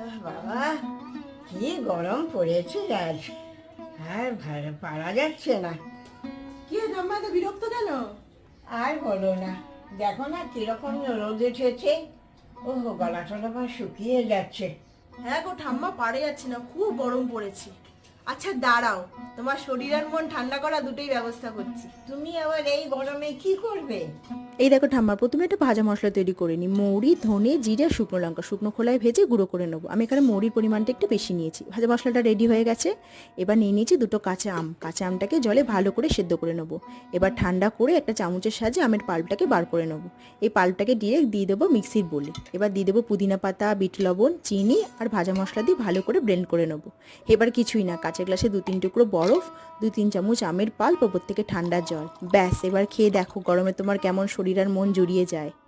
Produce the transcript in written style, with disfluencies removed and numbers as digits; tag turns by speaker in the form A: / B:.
A: বাবা, কি গরম পড়েছে আজ, আর পারা যাচ্ছে না।
B: কি ঠাম্মা এত বিরক্ত কেন?
A: আর বলো না, দেখো না কিরকম রোদ উঠেছে। ও গলা টলা আমার শুকিয়ে যাচ্ছে।
B: হ্যাঁ গো ঠাম্মা, পারে যাচ্ছে না, খুব গরম পড়েছে। আচ্ছা দাঁড়াও, তোমার শরীর আর মন ঠান্ডা করা দুটোই ব্যবস্থা করছি।
A: তুমি আবার এই গরমে কি করবে?
C: এই দেখো ঠাম্মা, প্রথমে একটা ভাজা মশলা তৈরি করে নিই। মৌরি, ধনে, জিরে, শুকনো লঙ্কা শুকনো খোলায় ভেজে গুঁড়ো করে নেবো। আমি এখানে মৌরির পরিমাণটা একটু বেশি নিয়েছি। ভাজা মশলাটা রেডি হয়ে গেছে। এবার নিয়ে নিয়েছি দুটো কাঁচা আম। কাঁচা আমটাকে জলে ভালো করে সেদ্ধ করে নেবো। এবার ঠান্ডা করে একটা চামচের সাহায্যে আমের পাল্পটাকে বার করে নেবো। এই পাল্পটাকে ডিরেক্ট দিয়ে দেবো মিক্সির বোলে। এবার দিয়ে দেবো পুদিনা পাতা, বিট লবণ, চিনি আর ভাজা মশলা দিয়ে ভালো করে ব্লেন্ড করে নেবো। এবার কিছুই না, কাঁচের গ্লাসে 2-3 টুকরো বরফ, 2-3 চামচ আমের পাল্প, ওপর থেকে ঠান্ডা জল। ব্যাস, এবার খেয়ে দেখো গরমে তোমার কেমন শরীর আর মন জুড়িয়ে যায়।